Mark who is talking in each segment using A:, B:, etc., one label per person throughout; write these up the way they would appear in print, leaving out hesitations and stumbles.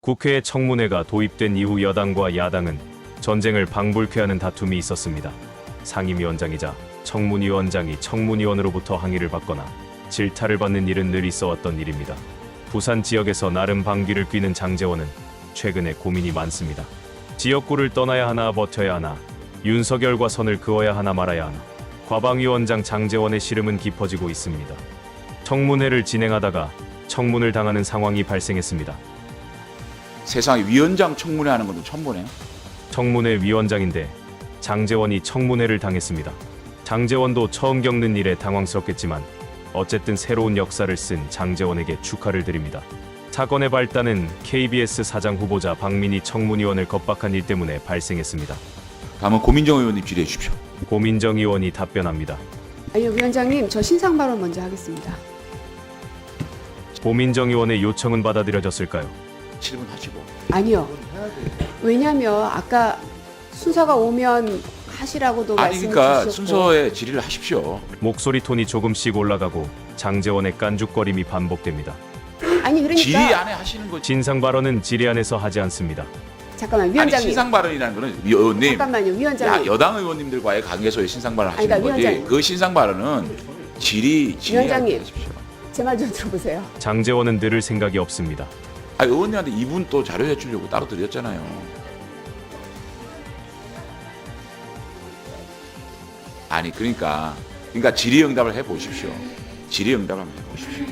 A: 국회에 청문회가 도입된 이후 여당과 야당은 전쟁을 방불케 하는 다툼이 있었습니다. 상임위원장이자 청문위원장이 청문위원으로부터 항의를 받거나 질타를 받는 일은 늘 있어왔던 일입니다. 부산 지역에서 나름 방귀를 뀌는 장제원은 최근에 고민이 많습니다. 지역구를 떠나야 하나 버텨야 하나, 윤석열과 선을 그어야 하나 말아야 하나. 과방위원장 장제원의 시름은 깊어지고 있습니다. 청문회를 진행하다가 청문을 당하는 상황이 발생했습니다.
B: 세상에 위원장 청문회 하는 것도 처음 보네요.
A: 청문회 위원장인데 장제원이 청문회를 당했습니다. 장제원도 처음 겪는 일에 당황스럽겠지만 어쨌든 새로운 역사를 쓴 장제원에게 축하를 드립니다. 사건의 발단은 KBS 사장 후보자 박민희 청문위원을 겁박한 일 때문에 발생했습니다.
B: 다음은 고민정 의원님 질의해 주십시오.
A: 고민정 의원이 답변합니다.
C: 아니요, 위원장님, 저 신상 발언 먼저 하겠습니다.
A: 고민정 의원의 요청은 받아들여졌을까요?
B: 7분 하시고.
C: 아니요. 왜냐면 아까 순서가 오면 하시라고도
B: 아니
C: 말씀
B: 그러니까
C: 주셨고.
B: 순서에 질의를 하십시오.
A: 목소리 톤이 조금씩 올라가고 장제원의 깐죽거림이 반복됩니다.
C: 아니 그러니까
B: 질의 안에 하시는 거지.
A: 진상 발언은 질의안에서 하지 않습니다.
C: 잠깐만
B: 아니
C: 위원장님.
B: 신상 발언이라는 거는 의원님,
C: 잠깐만요, 위원장님.
B: 여당 의원님들과의 관계에서의 신상 발언 하시는
C: 아니, 그러니까
B: 거지.
C: 위원장님.
B: 그 신상 발언은 질의
C: 위원장님.
B: 하십시오.
C: 제 말 좀 들어보세요.
A: 장제원은 들을 생각이 없습니다.
B: 아 의원님한테 이분 또 자료 제출려고 따로 드렸잖아요. 아니 그러니까 질의응답을 해 보십시오. 질의응답을 한번 해 보십시오.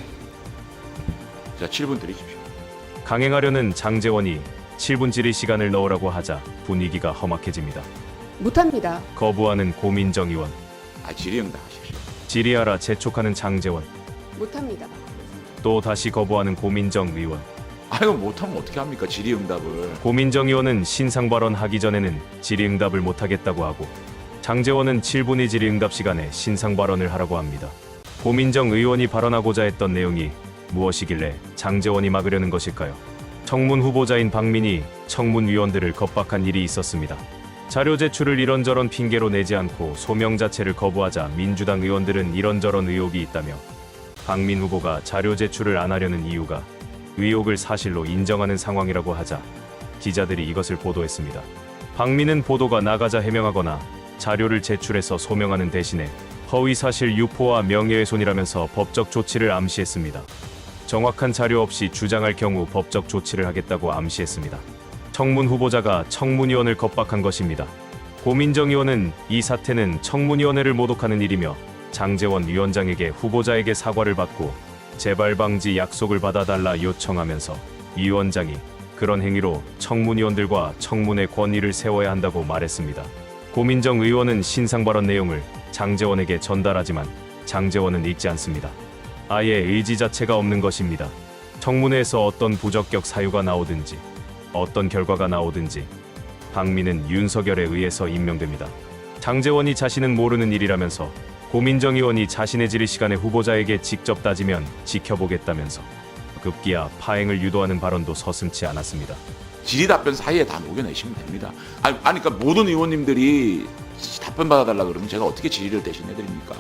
B: 자 7분 드리십시오.
A: 강행하려는 장제원이 7분 질의 시간을 넣으라고 하자 분위기가 험악해집니다.
C: 못합니다.
A: 거부하는 고민정 의원,
B: 아 질의응답 하십시오.
A: 질의하라 재촉하는 장제원,
C: 못합니다.
A: 또 다시 거부하는 고민정 의원.
B: 아이고 못하면 어떻게 합니까? 질의응답을.
A: 고민정 의원은 신상 발언 하기 전에는 질의응답을 못하겠다고 하고 장제원은 7분의 질의응답 시간에 신상 발언을 하라고 합니다. 고민정 의원이 발언하고자 했던 내용이 무엇이길래 장제원이 막으려는 것일까요? 청문 후보자인 박민희 청문위원들을 겁박한 일이 있었습니다. 자료 제출을 이런저런 핑계로 내지 않고 소명 자체를 거부하자 민주당 의원들은 이런저런 의혹이 있다며 박민 후보가 자료 제출을 안 하려는 이유가 의혹을 사실로 인정하는 상황이라고 하자 기자들이 이것을 보도했습니다. 박민은 보도가 나가자 해명하거나 자료를 제출해서 소명하는 대신에 허위사실 유포와 명예훼손이라면서 법적 조치를 암시했습니다. 정확한 자료 없이 주장할 경우 법적 조치를 하겠다고 암시했습니다. 청문 후보자가 청문위원을 겁박한 것입니다. 고민정 의원은 이 사태는 청문위원회를 모독하는 일이며 장제원 위원장에게 후보자에게 사과를 받고 재발 방지 약속을 받아달라 요청하면서 위원장이 그런 행위로 청문위원들과 청문회 권위를 세워야 한다고 말했습니다. 고민정 의원은 신상 발언 내용을 장제원에게 전달하지만 장제원은 읽지 않습니다. 아예 의지 자체가 없는 것입니다. 청문회에서 어떤 부적격 사유가 나오든지 어떤 결과가 나오든지 박민은 윤석열에 의해서 임명됩니다. 장제원이 자신은 모르는 일이라면서 고민정 의원이 자신의 질의 시간에 후보자에게 직접 따지면 지켜보겠다면서 급기야 파행을 유도하는 발언도 서슴지 않았습니다.
B: 질의 답변 사이에 다 녹여내시면 됩니다. 아니 그러니까 모든 의원님들이 답변 받아달라 그러면 제가 어떻게 질의를 대신해 드립니까?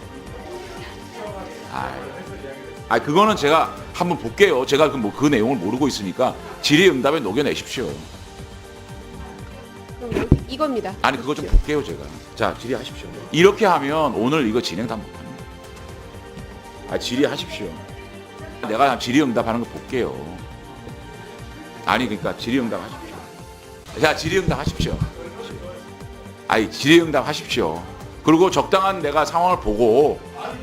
B: 그거는 제가 한번 볼게요. 제가 그 내용을 모르고 있으니까 질의응답에 녹여내십시오.
C: 그럼 이겁니다.
B: 아니 그거 좀 볼게요 제가. 자 질의하십시오. 이렇게 하면 오늘 이거 진행 다 못합니다. 질의하십시오. 내가 질의응답하는 거 볼게요. 아니 그러니까 질의응답 하십시오. 자 질의응답 하십시오. 질의응답 하십시오. 그리고 적당한 내가 상황을 보고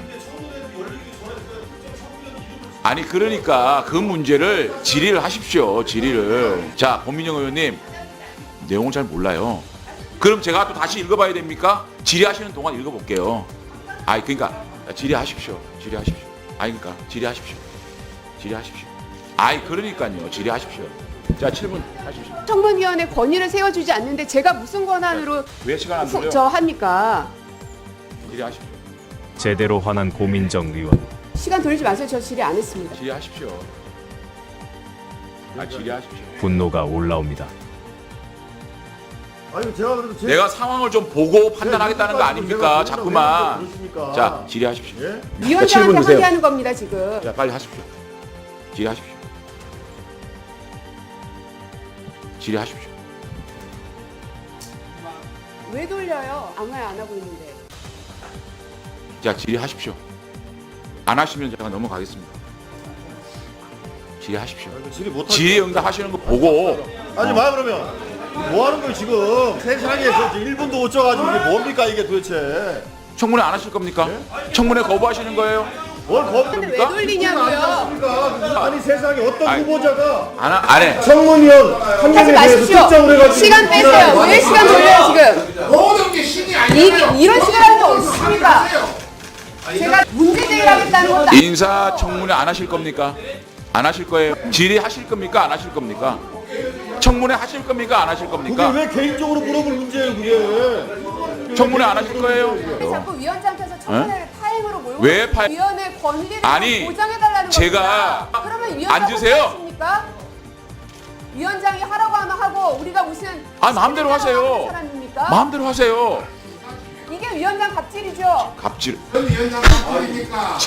B: 그러니까 그 문제를 질의를 하십시오. 질의를. 자 고민정 의원님 내용을 잘 몰라요. 그럼 제가 또 다시 읽어봐야 됩니까? 질의하시는 동안 읽어볼게요. 그러니까 질의하십시오. 질의하십시오. 그러니까 질의하십시오. 질의하십시오. 그러니까요. 질의하십시오. 자 7분 하십시오.
C: 청문위원회 권위를 세워주지 않는데 제가 무슨 권한으로
B: 왜 시간 안 돌려?
C: 저 합니까?
B: 질의하십시오.
A: 제대로 화난 고민정 의원.
C: 시간 돌리지 마세요. 저 질의 안 했습니다.
B: 질의하십시오. 질의하십시오.
A: 분노가 올라옵니다.
D: 제가 그래도
B: 내가 상황을 좀 보고 판단하겠다는 거 아닙니까? 자꾸만. 자 질의하십시오.
D: 예?
C: 위원장한테 항의하는 겁니다 지금.
B: 자 빨리 하십시오. 질의하십시오. 질의하십시오.
C: 왜 돌려요? 아무 말 안 하고 있는데.
B: 자, 질의하십시오. 안 하시면 제가 넘어가겠습니다. 질의하십시오.
D: 질의 못
B: 질의 응답하시는 거 보고
D: 하지 마 그러면. 뭐 하는 거예요 지금? 세상에 1분도 못 쪄가지고 이게 뭡니까 이게 도대체?
B: 청문회 안 하실 겁니까? 청문회 거부하시는 거예요?
D: 뭘
C: 근데 왜
D: 겁니까?
C: 돌리냐고요?
D: 아니 세상에 어떤
B: 아니,
D: 후보자가
B: 안 해.
D: 청문위원 한
C: 하지
D: 명에 대해서
C: 마십시오.
D: 특정을 해가지고
C: 시간 빼세요. 왜 시간 돌려요 지금?
E: 모든 게 신이 아니라
C: 이런 시간이 없습니다. 제가 문제 제기하겠다는 것도 아니고
B: 인사 청문회 안 하실 겁니까? 안 하실 거예요? 질의하실 겁니까? 안 하실 겁니까? 청문회 하실 겁니까? 안 하실
D: 그게
B: 겁니까?
D: 왜 개인적으로 물어볼 문제예요 그게?
B: 청문회 안 하실 거예요?
C: 자꾸 위원장께서 청문회를 파행으로 몰고
B: 왜 파행?
C: 위원회 권리를
B: 아니,
C: 보장해달라는
B: 제가
C: 겁니다. 그러면 위원장
B: 앉으세요.
C: 습니까? 위원장이 하라고 하면 하고 우리가 무슨
B: 아, 마음대로 하세요.
C: 하는 사람입니까?
B: 마음대로 하세요.
C: 이게 위원장 갑질이죠.
B: 갑질.
E: 위원장 바꾸니까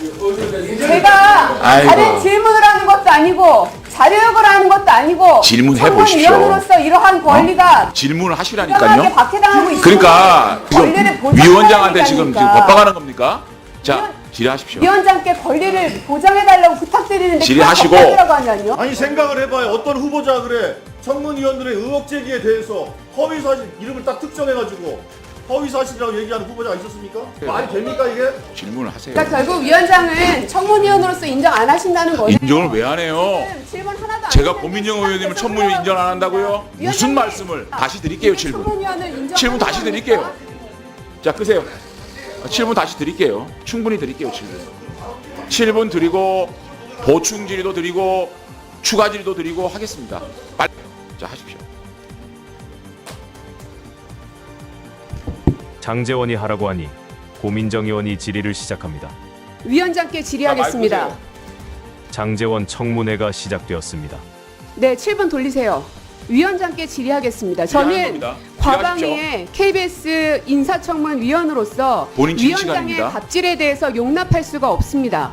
C: 제가
B: 아이고.
C: 다른 질문을 하는 것도 아니고 자료역을 하는 것도 아니고
B: 질문해 보십시오.
C: 청문위원으로서 이러한 권리가
B: 질문을
C: 이상하게
B: 하시라니까요.
C: 박해당하고 있습니다.
B: 그러니까
C: 권리를
B: 지금
C: 보장해달라는
B: 위원장한테
C: 게
B: 지금
C: 아닙니까?
B: 법박하는 겁니까? 자, 질의하십시오.
C: 위원장께 권리를 보장해달라고 부탁드리는데
B: 질의하시고.
C: 그걸 하냐뇨?
D: 아니 생각을 해봐요. 어떤 후보자 그래 청문위원들의 의혹 제기에 대해서 허위 사실 이름을 딱 특정해가지고 허위 사실이라고 얘기하는 후보자가 있었습니까? 말이 됩니까 이게?
B: 질문을 하세요.
C: 그러니까 결국 위원장은 청문위원으로서 인정 안 하신다는 거예요.
B: 인정을 왜 안 해요?
C: 질문 하나도 안
B: 제가
C: 했는데
B: 고민정
C: 시간
B: 의원님을
C: 내서
B: 청문회 인정 안
C: 흘러가고
B: 한다고요?
C: 있습니다.
B: 무슨
C: 위원장님,
B: 말씀을 다시 드릴게요.
C: 이게
B: 7분.
C: 청문위원을 인정하는
B: 7분 다시
C: 겁니까?
B: 드릴게요. 자, 끄세요. 7분 다시 드릴게요. 충분히 드릴게요. 7분. 7분 드리고 보충 질의도 드리고 추가 질의도 드리고 하겠습니다. 빨리. 자, 하십시오.
A: 장제원이 하라고 하니 고민정 의원이 질의를 시작합니다.
C: 위원장께
B: 자,
C: 질의하겠습니다.
B: 마이크 끄세요.
A: 장제원 청문회가 시작되었습니다.
C: 네, 7분 돌리세요. 위원장께 질의하겠습니다.
B: 질의하는
C: 저는
B: 겁니다.
C: 과방위의 KBS 인사청문 위원으로서
B: 본인 질의
C: 위원장의
B: 시간입니다.
C: 갑질에 대해서 용납할 수가 없습니다.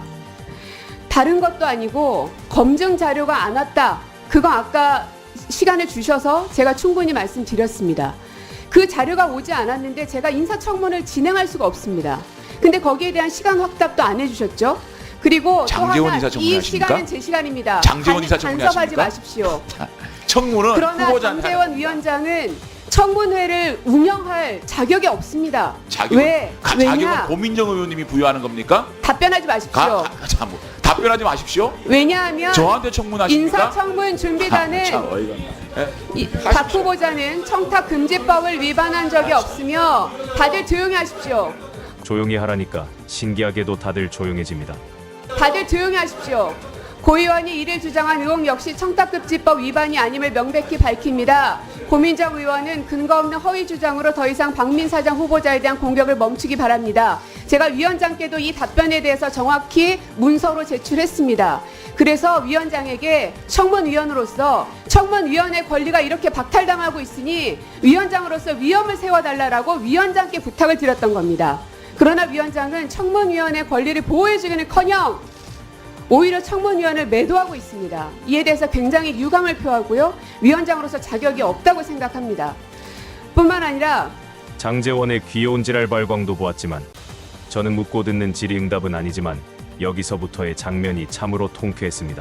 C: 다른 것도 아니고 검증 자료가 안 왔다. 그거 아까 시간을 주셔서 제가 충분히 말씀드렸습니다. 그 자료가 오지 않았는데 제가 인사청문을 진행할 수가 없습니다. 근데 거기에 대한 시간 확답도 안 해주셨죠? 그리고 또
B: 장제원
C: 하나
B: 인사청문회
C: 이
B: 하십니까?
C: 시간은 제 시간입니다.
B: 장제원 인사청문회
C: 간섭하지
B: 하십니까?
C: 마십시오.
B: 청문은
C: 그러나
B: 후보자한테
C: 장제원 위원장은 청문회를 운영할 자격이 없습니다.
B: 자격은
C: 왜냐?
B: 자격은 고민정 의원님이 부여하는 겁니까?
C: 답변하지 마십시오.
B: 답변하지 마십시오.
C: 왜냐하면
B: 저한테 청문하십니까?
C: 인사청문 준비단은
B: 참 어이가 없네.
C: 박 후보자는 청탁금지법을 위반한 적이 없으며 다들 조용히 하십시오.
A: 조용히 하라니까 신기하게도 다들 조용해집니다.
C: 다들 조용히 하십시오. 고 의원이 이를 주장한 의혹 역시 청탁금지법 위반이 아님을 명백히 밝힙니다. 고민정 의원은 근거 없는 허위 주장으로 더 이상 박민 사장 후보자에 대한 공격을 멈추기 바랍니다. 제가 위원장께도 이 답변에 대해서 정확히 문서로 제출했습니다. 그래서 위원장에게 청문위원으로서 청문위원의 권리가 이렇게 박탈당하고 있으니 위원장으로서 위험을 세워달라고 위원장께 부탁을 드렸던 겁니다. 그러나 위원장은 청문위원의 권리를 보호해주기는커녕 오히려 청문위원을 매도하고 있습니다. 이에 대해서 굉장히 유감을 표하고요. 위원장으로서 자격이 없다고 생각합니다. 뿐만 아니라
A: 장제원의 귀여운 지랄 발광도 보았지만 저는 묻고 듣는 질의응답은 아니지만 여기서부터의 장면이 참으로 통쾌했습니다.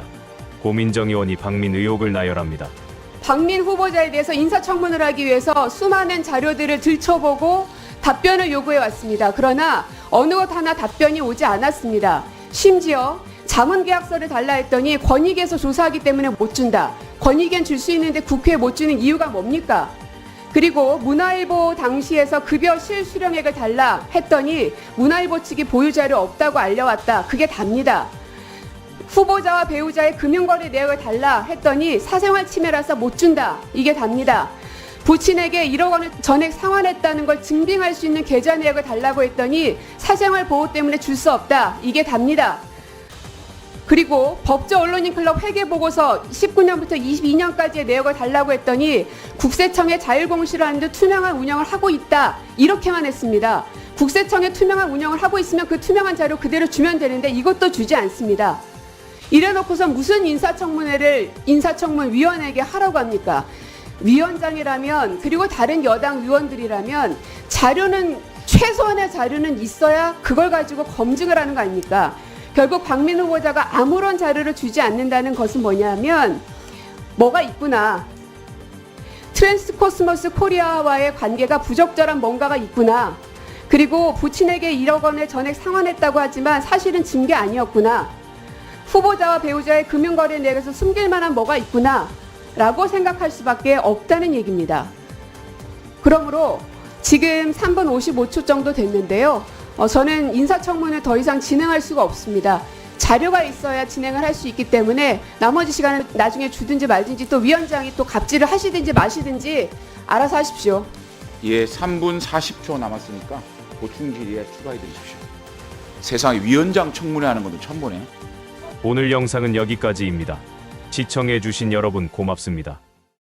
A: 고민정 의원이 박민 의혹을 나열합니다.
C: 박민 후보자에 대해서 인사청문을 하기 위해서 수많은 자료들을 들춰보고 답변을 요구해 왔습니다. 그러나 어느 것 하나 답변이 오지 않았습니다. 심지어 자문계약서를 달라 했더니 권익위에서 조사하기 때문에 못 준다. 권익위엔 줄 수 있는데 국회에 못 주는 이유가 뭡니까? 그리고 문화일보 당시에서 급여 실수령액을 달라 했더니 문화일보 측이 보유자료 없다고 알려왔다. 그게 답니다. 후보자와 배우자의 금융거래 내역을 달라 했더니 사생활 침해라서 못 준다. 이게 답니다. 부친에게 1억 원을 전액 상환했다는 걸 증빙할 수 있는 계좌 내역을 달라고 했더니 사생활 보호 때문에 줄 수 없다. 이게 답니다. 그리고 법조 언론인 클럽 회계보고서 19년부터 22년까지의 내역을 달라고 했더니 국세청에 자율공시를 하는 듯 투명한 운영을 하고 있다. 이렇게만 했습니다. 국세청에 투명한 운영을 하고 있으면 그 투명한 자료 그대로 주면 되는데 이것도 주지 않습니다. 이래놓고서 무슨 인사청문회를 인사청문위원회에게 하라고 합니까? 위원장이라면 그리고 다른 여당 의원들이라면 자료는 최소한의 자료는 있어야 그걸 가지고 검증을 하는 거 아닙니까? 결국 박민 후보자가 아무런 자료를 주지 않는다는 것은 뭐냐면 뭐가 있구나. 트랜스코스모스 코리아와의 관계가 부적절한 뭔가가 있구나. 그리고 부친에게 1억 원을 전액 상환했다고 하지만 사실은 진 게 아니었구나. 후보자와 배우자의 금융거래 내역에서 숨길 만한 뭐가 있구나 라고 생각할 수밖에 없다는 얘기입니다. 그러므로 지금 3분 55초 정도 됐는데요. 저는 인사청문을 더 이상 진행할 수가 없습니다. 자료가 있어야 진행을 할 수 있기 때문에 나머지 시간을 나중에 주든지 말든지 또 위원장이 또 갑질을 하시든지 마시든지 알아서 하십시오.
B: 예, 3분 40초 남았으니까 보충 질의에 추가해 드리십시오. 세상에 위원장 청문회 하는 것도 처음 보네.
A: 오늘 영상은 여기까지입니다. 시청해주신 여러분 고맙습니다.